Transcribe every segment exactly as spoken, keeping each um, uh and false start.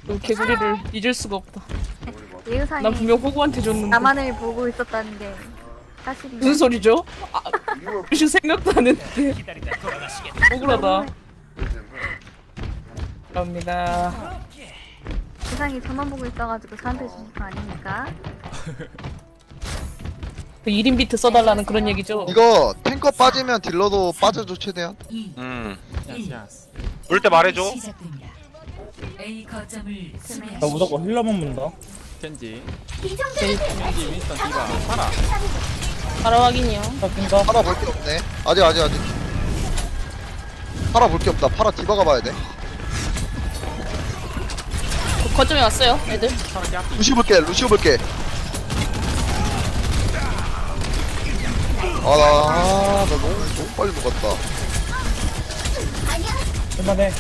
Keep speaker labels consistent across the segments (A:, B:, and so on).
A: 그 개구리를 잊을 수가 없다.
B: 예의상이
A: 난 분명 호구한테 줬는데.
B: 나만을 보고 있었다는 게 사실인가?
A: 무슨 소리죠? 아, 무슨 생각도 안 했는데. 억울하다. 감사합니다.
B: 예상이 저만 보고 있어가지고 저한테 주신 거 아닙니까?
A: 그 일 인 비트 써달라는 그런 얘기죠.
C: 이거 탱커 빠지면 딜러도 빠져줘 최대한.
D: 음.
E: 야스 야스.
D: 그럴 때 말해줘.
F: A 거점을
G: 나 무조건 힐러만 문다.
E: 켄지. 켄지 윈스턴 디바 파라.
A: 바로 확인이요.
G: 나 뛴다.
C: 팔아 볼 게 없네. 아직 아직 아직. 팔아 볼 게 없다. 팔아 디바가 봐야 돼.
A: 그 거점에 왔어요, 애들.
E: 파라 cap.
C: 루시오 볼게. 루시오 볼게. 아, 나, 나 너무 너무 빨리 녹았다.
G: 할만해.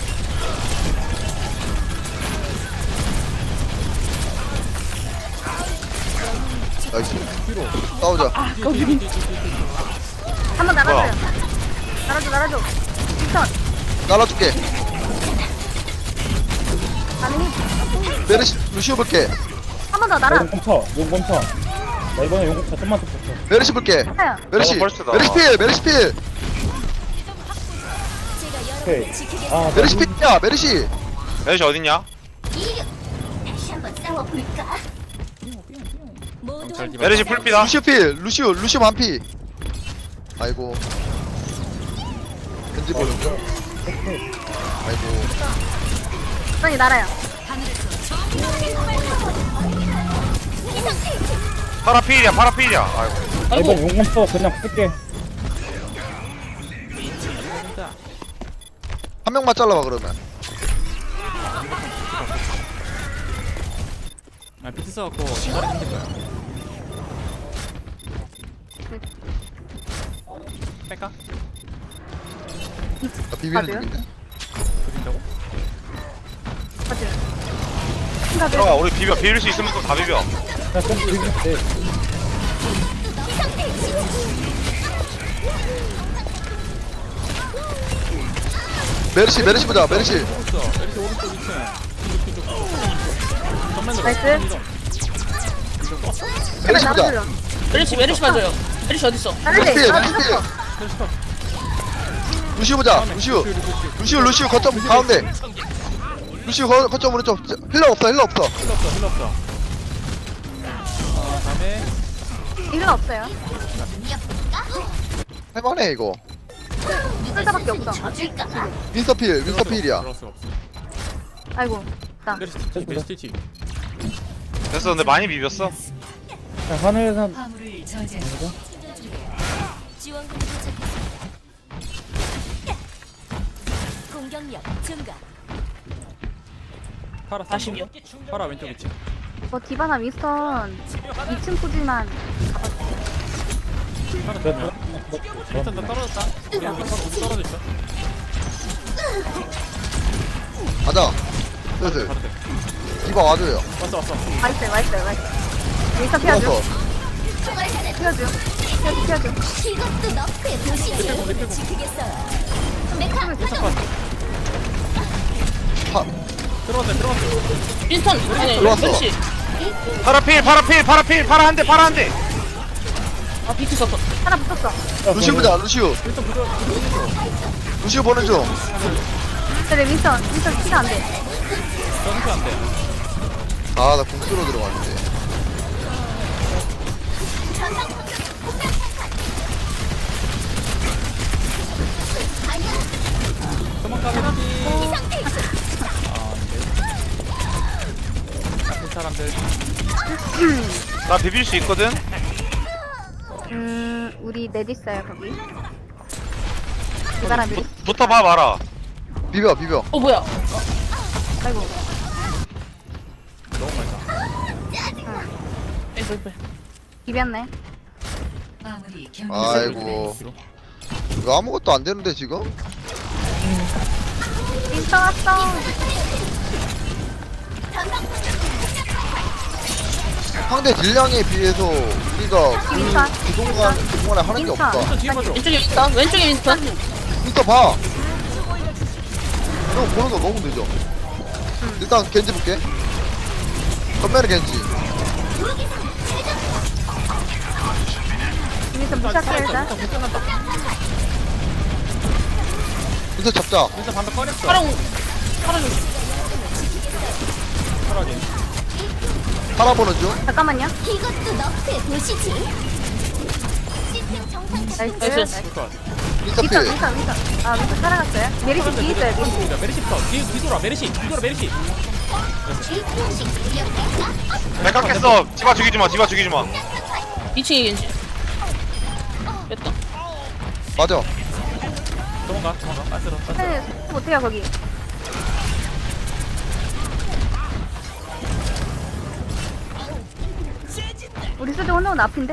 C: 나이스. 싸우자.
B: 한 번 날아줘요. 날아줘, 날아줘. 윈턴,
C: 날아줄게.
B: 가능해.
C: 메르시 루시오 볼게.
B: 한 번 더
G: 나
B: 날아.
G: 용공 쳐. 용공 쳐. 나 이번에 용공 쳐. 좀만 더 붙여.
C: 메르시 볼게.
B: 하야.
C: 메르시.
D: 너무 벌써다.
C: 메르시 필. 메르시 필.
G: 오케이. 아,
C: 메르시 필이야. 메르시.
D: 메르시 어딨냐?
E: 잘 디바.
D: 메르시 풀피다.
C: 루시오 필. 루시오. 루시오 만피. 아이고. 겐지 보는 중. 아이고.
B: 빨리 날아요.
D: 파라 필이야. 파라 필이야. 아이고.
G: 나
A: 아이고,
G: 이번 용공 쳐. 그냥 쓸게.
C: 한 명만 잘라봐 그러면.
E: 아 비트 써갖고 머리 힘들 거야. 뺄까?
C: 나 비비는
B: 맞아요?
C: 중인데.
E: 그린다고?
B: 맞아요.
D: 들어가. 우리 비벼. 비빌 수 있으면 또 다 비벼.
G: 그냥 좀 비비면 돼.
C: 메르시 메르시 보자. 메르시.
E: 있어. 메르시 오른쪽 이 층. 전면으로.
B: 나이스.
C: 메르시 보자.
B: 날아줘요.
A: 메리시, 메리시 맞아요. 메리시 어딨어?
B: 날아줘.
C: 메르시 필. 메르시
B: 날아줘.
C: 필. 루시오 보자. 루시오. 루시오 루시오 거점 가운데. 루시오 거, 거점 오른쪽. 힐러 없어. 힐러 없어.
E: 힐러 없어. 힐러 없어. 어 다음에
B: 이건 없어요.
C: 할만해 이거.
B: 쓸다밖에 없어.
C: 윈서 필. 윈서 필이야.
E: 들어갈 수가 없어.
B: 아이고. 나.
E: 메르시 스티치. 메르시 스티치.
D: 됐어. 근데 많이 비볐어.
G: 그냥 하늘에서
F: 화물을 저지하고 지원군이 도착했습니다. 공격력 증가.
E: 파라
A: 사십이요.
E: 파라 왼쪽 이 층.
B: 뭐 디바나 윈스턴 이 층 꾸지만
E: 파라
G: 저
E: 정면. 일단 나 떨어졌다. 우리 여기 서로 우리 떨어져 있어.
C: 가자. 슬슬.
E: 가도 돼.
C: 디바 와줘요.
E: 왔어 왔어.
B: 와있어요, 와있어요, 와있어요. 윈스턴 피하죠.
C: 들어왔어.
B: 피하죠. 피하죠, 피하죠.
F: 이것도 너프의 도시를 지키겠어요.
C: 파.
E: 들어왔다 들어왔어.
A: 윈스턴! 아니,
C: 들어왔어.
A: 메리시.
D: 파라 필. 파라 필. 파라 필. 파라 한 대. 파라 한 대.
A: 아, 비트 썼어.
B: 하나 붙었어.
C: 루시오 보자. 루시오.
E: 일단 부조 부조.
C: 루시오 보는 중.
B: 근데 윈스턴, 윈스턴 키가 안 돼.
E: 전투 안 돼.
C: 아, 나 공수로 들어갔는데.
E: 도망가긴 하지. 아, 안돼. 나쁜 사람들.
D: 나 비빌 수 있거든.
B: 음, 우리 넷 있어요, 거기. 그 사람들이.
D: 붙어봐 봐라.
C: 비벼, 비벼.
A: 어, 뭐야?
B: 아이고.
E: 너무 많다.
A: 아이고, 아이고.
B: 비볐네.
F: 마무리 경기.
C: 아이고. 이거 아무것도 안 되는데, 지금?
B: 윈스턴 왔어.
C: 상대 딜량에 비해서 우리가 그,
B: 윈스턴.
C: 그동안, 그동안에 하는 게
B: 윈스턴.
C: 없다.
E: 뒤에 봐줘.
A: 왼쪽에 윈스턴, 왼쪽에 윈스턴.
C: 진짜 봐! 이거 보는 거 너무 늦어. 일단 겐지 볼게. 전면에 겐지.
B: 여기서 무시할게요 일단.
C: 인터 잡자.
E: 일단 방금 꺼냈어.
A: 파랑 파랑
E: 파라게.
C: 팔아보는 중.
B: 잠깐만요.
F: 이것도 너프의 도시지. 시스템 정상
B: 나이스.
A: 나이스.
E: 굿.
C: 인터
B: 위선
C: 필.
B: 위선 위선. 아 위선 따라갔어요. 메리시 뒤에 있어요. 메리시.
E: 메리시부터. 뒤 뒤돌아 메리시. 뒤돌아 메리시.
D: 내가 깼어. 디바 죽이지 마. 디바 죽이지 마.
A: 이 층에 겐지. 뺐다.
C: 맞아.
E: 도망가. 도망가. 빠스러. 빠스러.
B: 네, 못해요 거기. 우리 수도 혼자는 앞인데?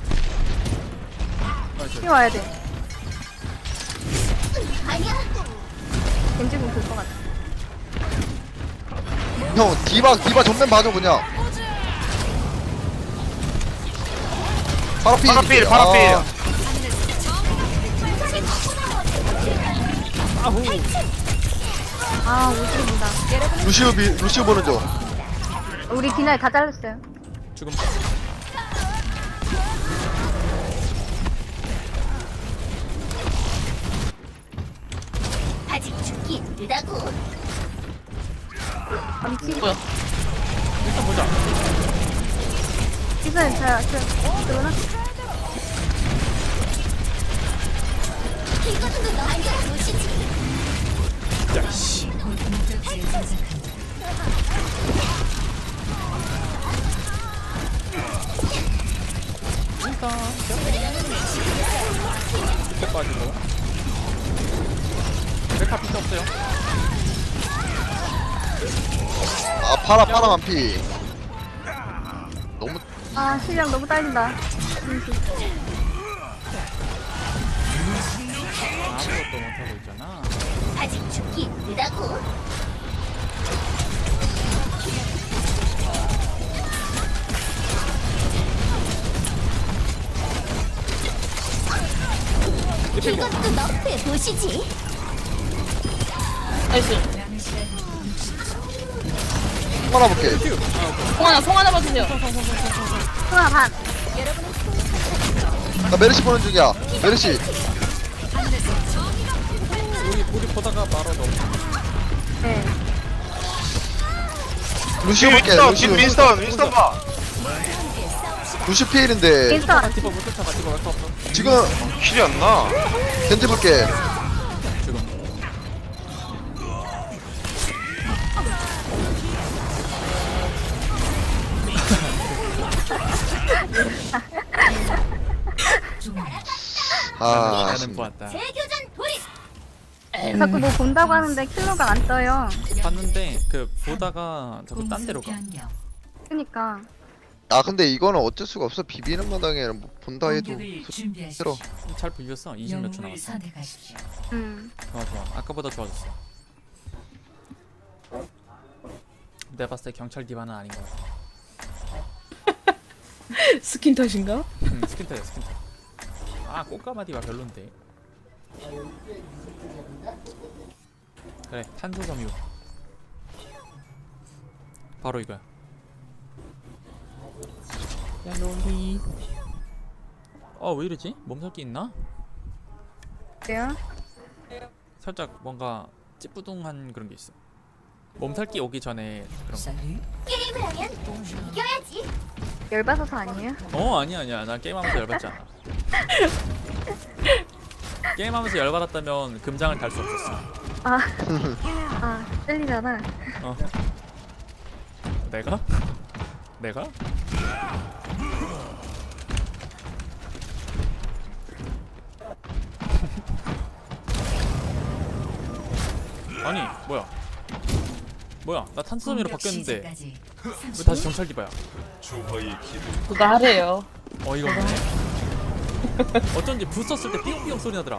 B: 피 와야 돼. 겐지 공 될것 같아.
C: 형 디바 디바 전면 봐줘 그냥. 파라필.
D: 파라필, 파라필.
B: 아 오십입니다.
C: 루시우 비 루시우 보는 중.
B: 우리 디나에 다 잘랐어요.
E: 죽음.
F: 아직 죽기 힘들다고.
B: 암치.
A: 뭐야?
E: 일단 보자.
B: 위선 잘 저, 저거나?
F: 이것도 너프의 도시지.
E: 야 씨. 일단 밑에 빠지고. 메카 필요 없어요.
C: 아 파라 파라 만피. 너무
B: 아 실력 너무 딸린다.
E: 아무것도 못하고 있잖아.
F: 아직 죽기 힘들다고. 이것도 너프의 도시지.
A: 나이스.
C: 팔아볼게.
A: 송 하나 송 하나 봐주세요.
B: 하나 반.
C: 나 메르시 보는 중이야. 메르시.
E: 우리 우리 보다가 바로 넘.
B: 네.
C: 루시우
D: 뒤에
C: 볼게.
D: 윈스턴.
C: 루시우.
D: 뒤에 윈스턴. 윈스턴 봐.
C: 루시우 필인데
B: 인스타.
E: 디바 못 쫓아가. 디바 왜 없어?
C: 지금
D: 킬이 안 나.
C: 겐지 볼게.
E: 지금.
C: 아
E: 나는 보았다.
F: 대교전 돌입.
B: 자꾸 뭐 본다고 하는데 킬러가 안 떠요.
E: 봤는데 그 보다가 자꾸 딴 데로 가.
B: 그니까.
C: 아 근데 이거는 어쩔 수가 없어. 비비는 마당에 뭐 본다 해도 싫어.
E: 잘 비볐어. 이십 몇 초 남았어.
B: 음.
E: 좋아 좋아. 아까보다 좋아졌어. 내가 봤을 때 경찰 디바는 아닌 것 같아.
A: 스킨 탓인가?
E: 음, 스킨타야 스킨타. 아 꽃가마 디바 별론데. 그래 탄소 섬유. 바로 이거야.
A: 야 롤리.
E: 어왜 이러지? 몸살기 있나?
B: 그래요?
E: 살짝 뭔가 찌뿌둥한 그런 게 있어. 몸살기 오기 전에 그런 거.
F: 게임을 하면 이겨야지.
B: 열받아서 아니에요?
E: 어 아니야 아니야 난 게임하면서 열받지 않아. 게임하면서 열받았다면 금장을 달 수 없었어.
B: 아. 아, 찔리잖아.
E: 어. 내가? 내가? 아니 뭐야 뭐야 나 탄수섬유로 바뀌었는데 왜 다시 경찰 디바야?
A: 그거 하래요.
E: 어이가 없네. 어쩐지 불 썼을 때 삐용삐용 소리 나더라.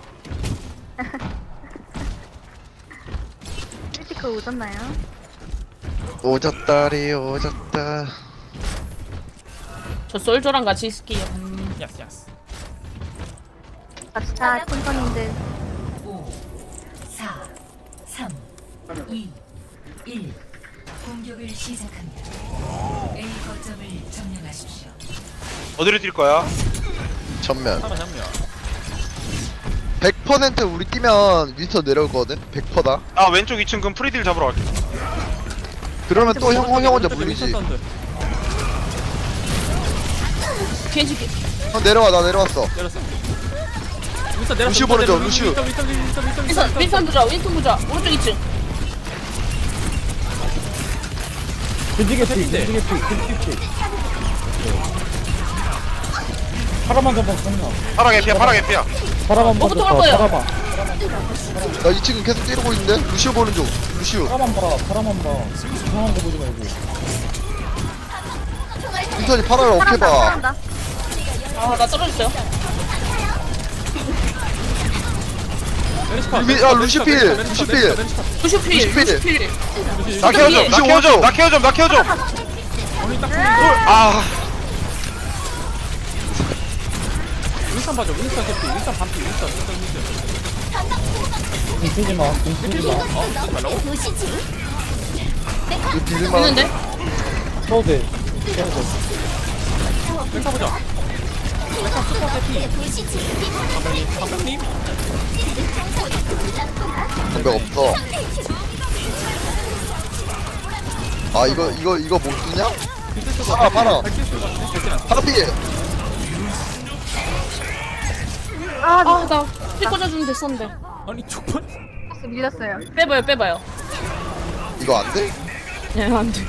B: 크리티컬 오졌나요?
C: 오졌다리 오졌다.
A: 저 솔저랑 같이 있을게요.
E: 야스 야스.
B: 갑시다, 팀퍼님들.
F: 오, 사, 삼, 이, 일. 공격을 시작합니다. A 거점을 점령하십시오.
D: 어디로 뛸 거야?
C: 전면
E: 하나 잡냐?
C: 백 퍼센트 우리 뛰면 윈스터 내려올 거거든. 백 퍼센트다.
D: 아 왼쪽 이 층 그럼 프리딜 잡으러 갈게.
C: 그러면 또 형 형 혼자 물리지.
A: 겐지 겐-
C: 형 내려와, 나 내려왔어.
E: 내렸어. 윈스턴 내렸어.
C: 루시오 보내줘, 루시오.
E: 윈스턴 윈스턴 윈스턴 윈스턴
A: 윈선 윈선 보자 윈선 보자 오른쪽 이 층.
G: 겐지게 피, 겐지게 피, 겐지게 피. 파라만 잡아, 성나.
D: 파라 개피야 파라 개피야.
G: 파라만
A: 뭐부터
G: 먼저
A: 할
G: 봐,
A: 거예요?
G: 파라만.
C: 나 이 층은 계속 때리고 있는데. 루시오 보는 중. 루시오.
G: 파라만 봐, 파라만 봐. 이상한 거 보지 말고.
C: 윈스턴이 파라를 어떻게 봐.
B: 사랑한다.
A: 아나 떨어졌어요.
C: 루비- 아, 루시필, 루시필.
A: 루시필
C: 루시필.
A: 루시필.
D: 나 케어줘 나
C: 루시오
D: 케어줘
C: 오른쪽.
D: 나 케어줘 나 케어줘. 아
E: 윈스턴 봐줘. 윈스턴 캐피. 윈스턴 반피. 윈스턴 윈스턴 윈스턴.
G: 뭉치지 마, 뭉치지 마.
E: 어, 쓰지 말라고?
F: 보시지.
C: 이거 비빌만.
A: 있는데?
G: 써도 돼. 써도 돼.
E: 윈스턴 보자. 윈스턴 슈퍼 캐피.
F: 보시지.
E: 감독님, 감독님.
C: 방벽 없어. 아 이거 이거 이거 못 쓰냐? 파라 파라. 파라 피.
A: 아나 피 꽂아주면 됐었는데.
E: 아니 족발.
B: 밀렸어요.
A: 빼봐요 빼봐요.
C: 이거 안 돼?
A: 예 안돼.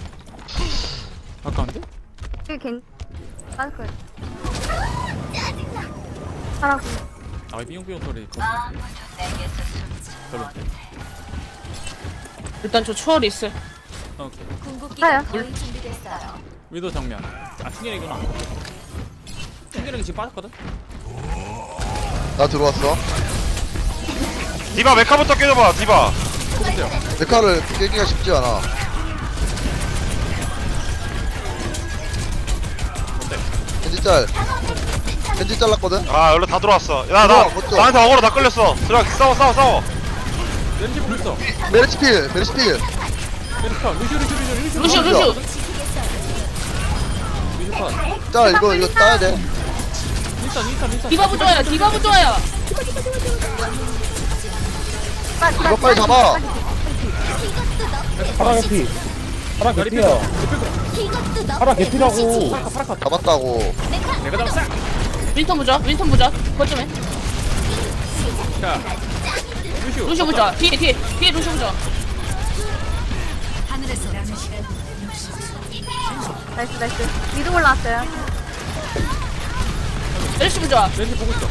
E: 아까운데?
B: 여기 겐 빠질 거예요. 하라고.
E: 아 삐용삐용 소리. 별로.
A: 일단 저 추월이 있어요.
E: 오케이.
B: 가요.
F: 거의 준비됐어요.
E: 위도 정면. 아 충혈이구나. 충혈이 지금 빠졌거든?
C: 나 들어왔어.
D: 디바 메카부터 깨줘봐 디바.
C: 메카를 깨기가 쉽지 않아. 겐지 짤. 겐지 잘랐거든.
D: 아 여기로 다 들어왔어. 야 나
C: 어쩌-
D: 나한테 어그로 다 끌렸어. 들어가 싸워 싸워 싸워.
E: 렌지 보고 있어.
C: 메르시필, 메르시필.
E: 렌지파. 루시오 루시오 루시오
A: 루시오 루시오.
E: 루시오 파.
C: 짤 이거 이거 따야 돼.
E: 윈스턴 윈스턴 윈스턴.
A: 디바 부좋아요 디바 부좋아요.
C: 이거 빨리 잡아.
G: 파라 개피. 파라 개피야.
F: 이것도 너
G: 파라 개피라고.
C: 잡았다고.
E: 내가 잡았어.
A: 윈턴 보자 윈턴 보자. 거점에
E: 자. 루시오.
A: 루시오 보자. 뒤에 뒤에 뒤에 루시오 보자.
F: 하늘에서 남은 시간
B: 나이스 나이스. 위로 올라왔어요.
A: 멜시 보자.
E: 렌지 보고 있어.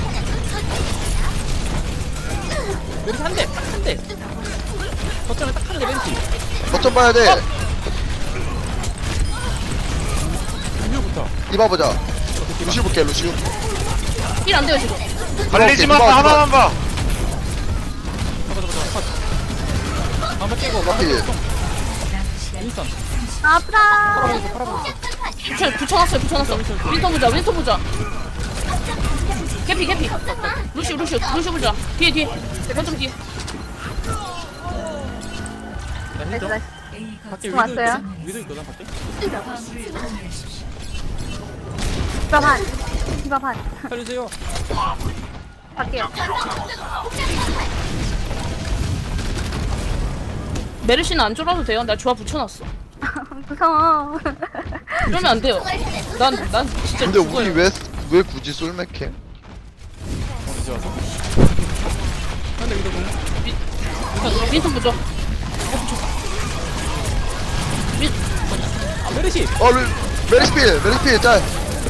E: 렌지 한 대. 한 대. 거점에 딱 하는 게 렌지.
C: 거점 봐야 돼.
E: 루시오부터.
C: 이봐 보자. 루시오 볼게 루시오.
A: 힐 안 돼요 지금.
D: 달리지 마
C: 디바,
D: 하나만 봐.
E: 잡아 잡아 잡아. 컷. 한번 깨고.
C: 파필.
E: 윈스턴.
B: 아, 아프다.
A: 붙여 붙여놨어요 붙여놨어. 윈턴 보자 윈턴 보자. 캐피 캐피. 루시오 루시오 루시오 보자. 뒤에 뒤에. 거점 뒤에.
E: 나
B: 나이스
E: 힐 좀.
B: 나이스.
E: 밖에
B: 좀
E: 위도
B: 왔어요?
E: 있거든? 위도 있거든 밖에?
B: 디바 반. 디바 반.
E: 살려주세요.
B: 갈게요.
A: 메르시는 안 쫄아도 돼요. 나 조합 붙여놨어.
B: 무서워.
A: 그러면 안 돼요. 난 난 진짜
C: 근데
A: 죽어요.
C: 우리 왜 왜 굳이 솔맥해?
E: 어 이제 와서. 근데 위도 공.
A: 윈턴 윈턴 보자. 윈
E: 아 메르시.
C: 어 루, 메르시필 메르시필 짤.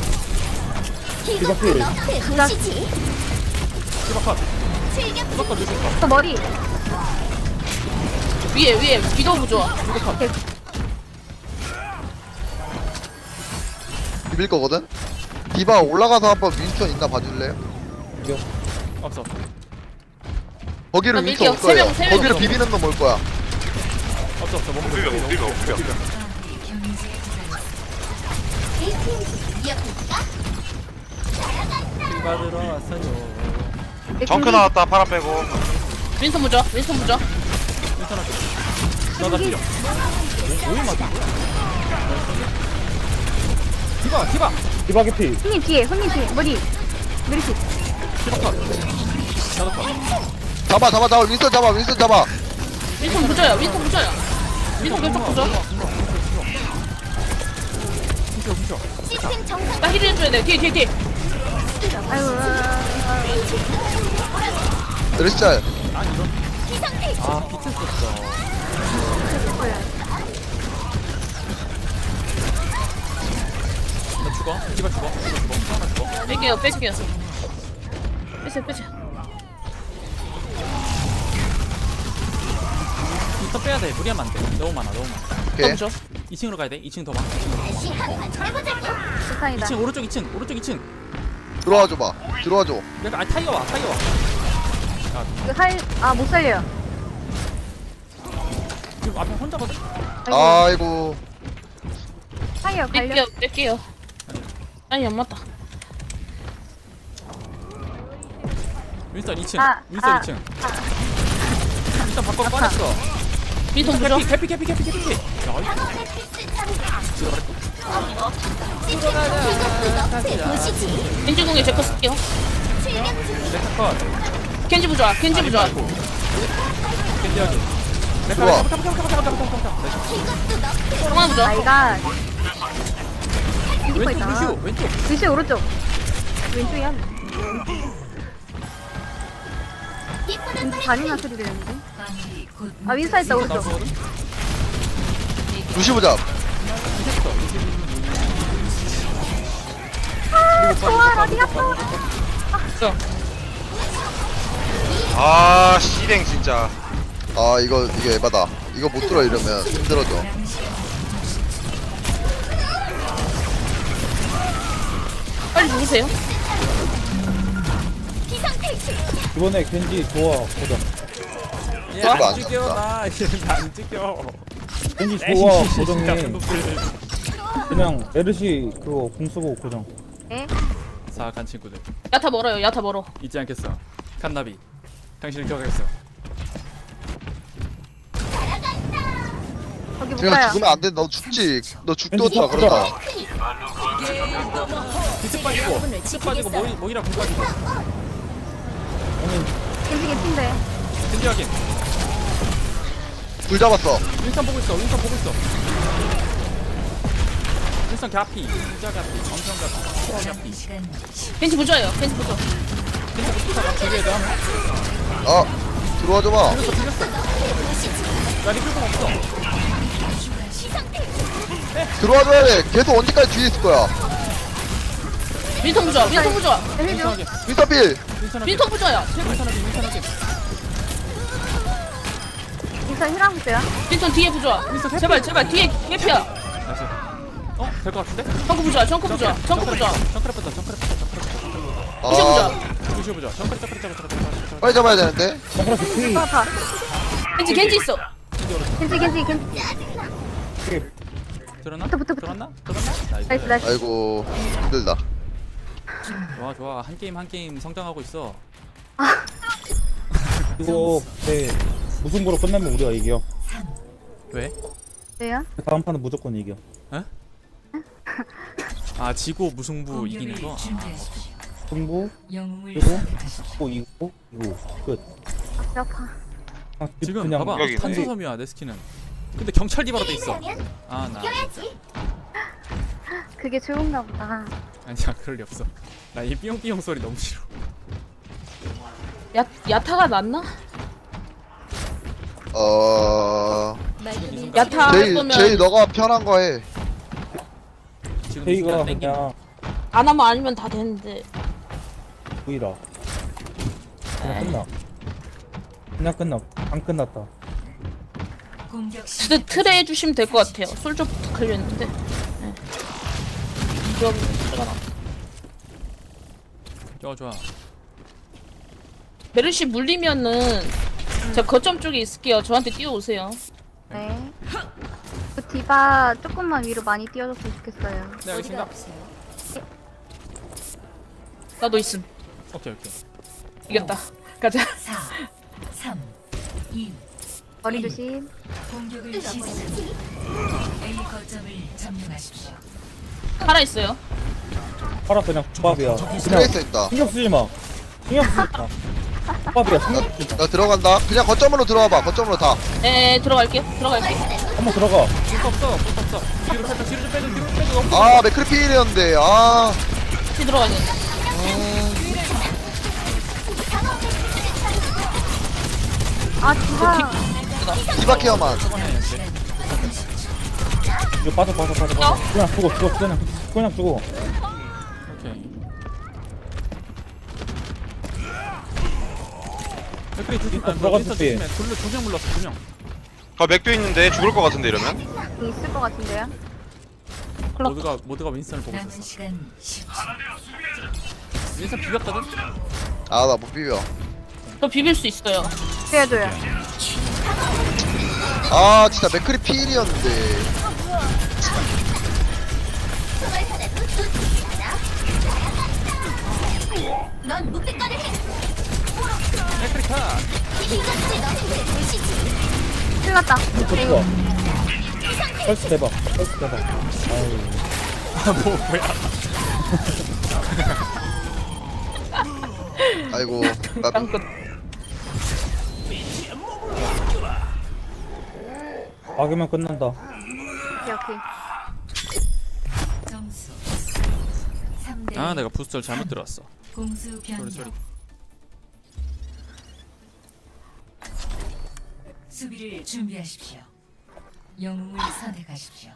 F: 이것도 너의 보시지.
E: 디바컷. 디바컷 루시오 컷.
B: 또 머리.
A: 위에 위에 위도 보자.
C: 비빌 거거든. 디바 올라가서 한번 윈스턴 있나 봐줄래요?
E: 없어.
C: 거기를
A: 나
C: 윈스턴 올
A: 밀게요. 세 명,
C: 거예요.
A: 세 명.
C: 거기를 비비는 놈 올 거야.
E: 없어 없어. 몸
D: 비벼,
E: 비벼,
D: 비벼,
E: 비벼,
D: 비벼.
E: 디바 들어왔어요.
D: 정크 나왔다 파라 빼고.
A: 윈턴 보자. 윈턴 보자.
E: 윈스턴 할게. 나나 필요. 오일 맞은 거야? 디바 디바
G: 디바 개피.
B: 손님 뒤에, 손님 뒤에. 머리. 메르시.
E: 디바 컷 나도 컷
C: 잡아 잡아 잡아 윈스턴 잡아 윈스턴 잡아.
A: 윈통 부자야 윈통 부자야 윈통 결정 부자
E: 훔쳐 훔쳐
F: 시스템 정상.
A: 나 힐 해줘야 돼 뒤에 뒤에 뒤에
B: 아이고.
C: 메르시 짤.
E: 아 비트 썼어 나 죽어 디바 죽어 디바 죽어 하나 죽어
A: 뺄게요 뺄게요 빼세요 빼세요
E: 부터 빼야 돼 무리하면 안돼 너무 많아 너무 많아
C: 오케이.
A: 부자
E: 이 층으로 가야 돼 이 층 더 많아
F: 다시 한판 해보자고.
B: 세상이다.
E: 이 층 오른쪽 이 층 오른쪽 이 층
C: 들어와 줘봐. 들어와 줘.
E: 약간 아 타이어 와 타이어 와
B: 이거 할, 아, 못 살려요.
E: 지금 앞에 혼자거든
C: 아이고.
B: 살려, 갈려.
A: 뺄게요 뺄게요 아니 안 맞다
E: 윈스턴 이 층
B: 아,
E: 윈스턴
B: 아,
E: 이 층 일단 밖으로 꺼냈어
A: 윈통 부자
E: 캐피 캐피 캐피 캐피 캐피 야
F: 이것도 너프의 도시지.
A: 겐지 공에 제거 쓸게요
E: 레카 컷
A: 겐지 부자 겐지 부자
E: 캔디하기
C: 들어와.
F: 이것도 너프의
A: 성환 부자
B: 아이가. 왼쪽
E: 왼쪽
B: 있잖아.
E: 루시오 왼쪽
B: 루시 오른쪽. 왼쪽이야.
F: 이쁘는
B: 왼쪽 잔인한 소리 들렸는데. 아, 윈사 있다, 오른쪽.
E: 나오거든
C: 루시 보자.
B: 좋아, 어디 갔어?
D: 아 씨랭 진짜.
C: 아 이거 이게 에바다. 이거 못 들어 이러면 힘들어져.
A: 빨리 죽으세요
F: 비상퇴실.
G: 이번에 겐지 좋아 고정.
C: 이거 안
E: 야안 찍혀
C: 죽는다.
E: 나안 찍혀
G: 겐지 좋아 고정해.
E: 놈들
G: 그냥 메르시 그거 공 쓰고 고정.
B: 예?
E: 사악한 친구들
A: 야타 멀어요 야타 멀어
E: 잊지 않겠어 칸나비 당신을 기억하겠어
B: 거기 못
C: 그냥
B: 가요.
C: 죽으면 안 돼. 너 죽지. 너 죽도
G: 겐지
C: 없다
G: 보자.
C: 그러다.
E: 비트 빠지고 비트 빠지고 모이, 모이라 공 빠지고
B: 겐지 개핀데.
E: 캔디 확인
C: 불 잡았어.
E: 윈스턴 보고 있어 윈스턴 보고 있어 윈스턴 갸피 진짜 갸피 엄청 갸피 갸피
A: 겐지 부자예요 겐지 부자
E: 윈스턴 부타가 두개 더 하면
C: 아 들어와 줘봐.
E: 틀렸어 틀렸어 나 리플공 없어
C: 들어와 줘야 돼. 계속 언제까지 뒤에 있을 거야.
A: 윈통 부자 윈통 부자
B: 해줘.
E: 윈스턴 확인
C: 윈스턴필.
E: 윈스턴 확인
A: 윈통 부자야
E: 윈스턴 확인 윈스턴 확인
B: 윈사 힐랑 붙어요.
A: 윈통 뒤에 부자
E: 윈스턴
A: 제발 제발 뒤에 개피야
E: 나이스 어? 될 것 같은데?
A: 정크 부자 정크 부자 정크 부자
E: 정크랩 붙다 정크랩 붙다 정크랩
C: 아
A: 루시 부자
E: 루시오 보자 정크랩 정크랩 정크랩 정크랩
C: 빨리 잡아야 되는데.
G: 정크라 개피.
B: 아, 아파.
A: 겐지 겐지 있어
B: 겐지, 겐지, 겐지.
E: 들었나?
B: 붙어, 붙어, 붙어.
E: 들었나? 들었나?
B: 나이스,
E: 나이스
B: 나이스.
C: 아이고 힘들다.
E: 좋아 좋아 한 게임 한 게임 성장하고 있어
G: 이거 네 무승부로 끝내면 우리가 이겨.
E: 왜?
B: 왜요?
G: 다음 판은 무조건 이겨.
E: 아 지고 무승부 이기는 거? 아,
G: 승부 그리고 또 이기고 이기고 끝.
B: 아, 아파.
G: 아,
E: 지금
G: 그냥
E: 봐봐
D: 여기네.
E: 탄소섬유야 내 스킨은 근데 경찰 디바로 돼 있어
F: 이라면
E: 아나
F: 이겨야지.
B: 그게 좋은가 보다.
E: 아니야 그럴 리 없어 나 이 삐용삐용 소리 너무 싫어
A: 야 야타가 낫나?
C: 어
A: 야타 할
C: 제이 제이
A: 거면
C: 너가 편한 거 해.
E: 지금
G: 제이가
E: 순간 땡기네.
G: 그냥
A: 안 하면 아니면 다 되는데
G: 보이라. 그냥 끝나. 그냥 끝나. 안 끝났다.
A: 트, 트레 해주시면 될 것 같아요 솔저부터 걸려있는데 네. 그럼 트레가 나
E: 좋아 좋아
A: 메르시 물리면은 제가 거점 쪽에 있을게요 저한테 뛰어오세요
B: 네. 그 디바 조금만 위로 많이 띄워줬으면 좋겠어요.
E: 네 알겠습니다
A: 나도 있음
E: 오케이 오케이
A: 이겼다 가자
B: 머리 조심.
F: 뜨겁지.
A: 살아 있어요.
G: 팔아 그냥 조합이야. 그냥
C: 트레이서 있다.
G: 신경 쓰지 마. 신경 쓰지 마. 조합이야. 신경 쓰지 마.
C: 나 들어간다. 그냥 거점으로 들어와봐. 거점으로 다.
A: 에 들어갈게요. 들어갈게요.
G: 한번 들어가.
E: 볼수 없어 볼수 없어. 뒤로 살짝 뒤로 좀 빼줘 뒤로 좀 빼줘. 너무
C: 아 맥크리필이었는데. 아.
A: 뒤 들어가야 돼.
B: 아 디바
C: 디바케어만.
G: 이거 빠져 빠져 빠져 빠져. 그냥 죽어 죽어 그냥 그냥 죽어.
E: 오케이. 맥크리 두 개. 아,
G: 들어갔을
E: 윈스턴
G: 때.
E: 조심해. 둘로 두명 물렀어 두 명.
D: 아 맥도 있는데 죽을 것 같은데 이러면?
B: 있을 것 같은데요?
E: 모두가 모두가 윈스턴을 보고 있었어. 윈스턴 비볐거든.
C: 아 나 못 비벼.
A: 저 비빌 수 있어요.
B: 해줘요.
C: 아 진짜 맥크리필이었는데.
F: 넌 묵비권을 해.
E: 맥크리 카.
F: 이것이 너의 도시지.
B: 큰일 났다.
G: 좋아. 펄스 대박. 펄스 대박. 아유.
E: 뭐 뭐야?
C: 아이고. 나
A: 땅끝.
G: 막으면 끝난다.
B: 오케이 오케이.
H: 점수 삼 대
E: 아 내가 부스터를 잘못 들어왔어.
H: 공수
E: 소리
H: 변경.
E: 소리.
H: 수비를 준비하십시오. 영웅을 선택하십시오.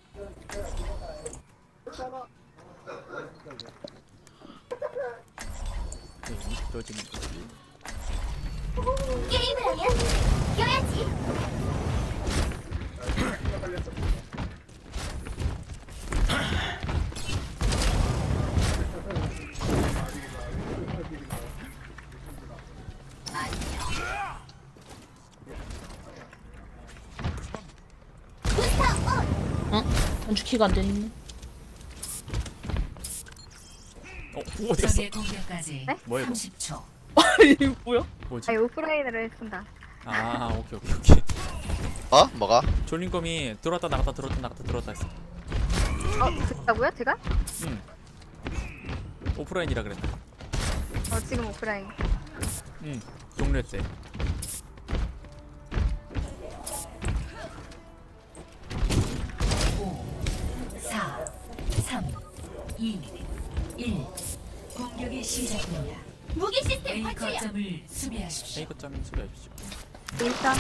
E: 네, 떠지는 거지.
F: 게임을 하면 이겨야지.
A: 응? 전주키가 안 되네.
E: 어 어디 갔어?
H: 적의 공격까지
B: 네?
E: 뭐야, 이거?
H: 삼십 초.
A: 이거 뭐야?
E: 뭐지?
B: 아니 오프라인으로 했습니다.
E: 아 오케이 오케이 오케이.
C: 어? 뭐가?
E: 졸린검이 들어왔다 나갔다 들어왔다 나갔다 들어왔다 했어.
B: 어 됐다고요? 제가?
E: 응. 오프라인이라 그랬다.
B: 어 지금 오프라인.
E: 응. 종료했대.
H: 오, 사, 삼, 이, 일. 공격이 시작됩니다.
F: 무기 시스템
H: A
F: 파출력.
H: 거점을 수비하십시오.
E: A 거점인 수리하십시오.
B: 일단.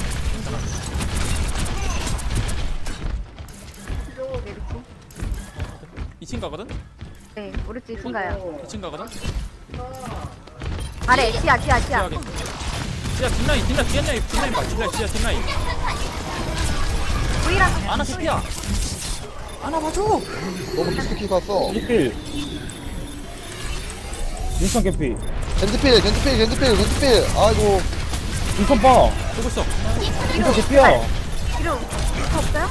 B: 내리지.
E: 이 층 가거든?
B: 네 오른쪽 이 층 가요.
E: 이 층 가거든?
B: 아래 지하 지하 지하.
E: 지하게. 지하 뒷라인 뒷라인 뒷라인 뒷라인 봐 뒷라인 지하 뒷라인.
B: 우리랑
E: 아나 새끼야. 아나 봐줘.
C: 너무 깊숙이 갔어.
G: 일필. 인천 캠피.
C: 겐지필 겐지필 겐지필 겐지필. 아이고.
G: 인천 봐.
E: 보고 있어.
G: 인천 개피야.
B: 뒤로 차 없어요?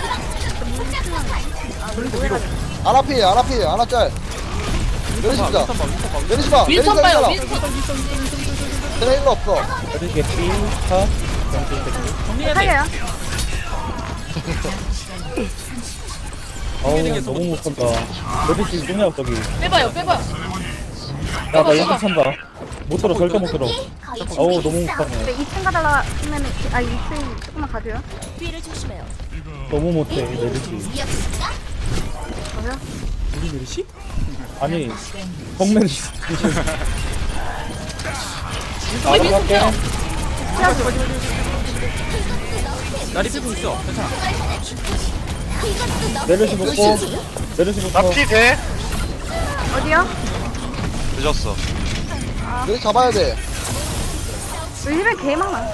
C: 아나필 아나필 아나짤. 내리시자.
E: 윈스턴 봐 윈스턴 봐.
C: 내리시마.
A: 윈스턴 봐요.
C: 내리시마.
A: 윈스턴.
C: 내가 일로 없어.
G: 어디 개피. 차.
E: 정리해야 돼.
B: 살려요.
G: 어우 너무 못 산다. 어디 지금 뭐냐 저기.
A: 빼봐요. 빼봐요.
G: 야나 연습 찬다. 못 들어 절대 못 들어. 어우 너무 못
B: 근데
G: 가네.
B: 이 층 가다가 하면은 아 이 층 조금만 가줘요.
F: 뒤를 조심해요.
G: 너무 못해 내리지.
F: 위협인가?
B: 뭐요?
E: 우리 메르시?
G: 아니 정면이. 아
A: 우리
G: 갈게.
E: 나리 빼고 있어. 괜찮아.
G: 내려시 먹고. 내려시 먹고.
D: 나피 돼?
B: 어디요?
D: 늦었어.
C: 내리 잡아야 돼.
B: 우리 집에 개 많아.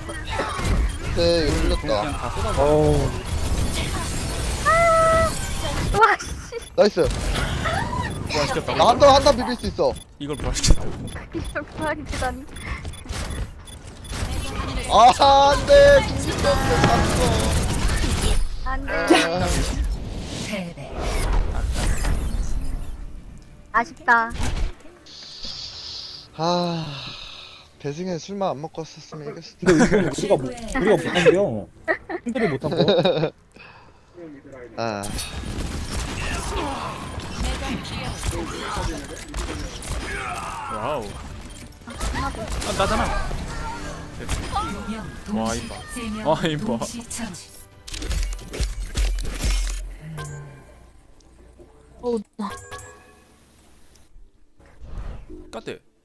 C: 네 이거 틀렸다.
E: 그냥 다 쏟아.
G: 어우.
B: 와 씨.
C: 나이스.
E: 부활시켰다고.
C: 나 한단 한단 비빌 수 있어.
E: 이걸 부활시켰다고.
B: 이걸 부활이 되다니.
C: 아 안돼. 중심됐어 잤어.
B: 안돼.
H: 패배.
B: 아쉽다.
C: 아 배승에 술만 안 먹고 왔었으면 이겼을 텐데.
G: 근데 이건 우리가 못, 우리가 못한 게요. 힘들이 못한 거.
C: 아
E: 와우. 아, 나잖아.
H: 명
E: 와,
H: 동시
E: 이봐.
H: 세명
E: 와, 이봐.
H: 동시 처치.
A: 어우 나
E: 까대.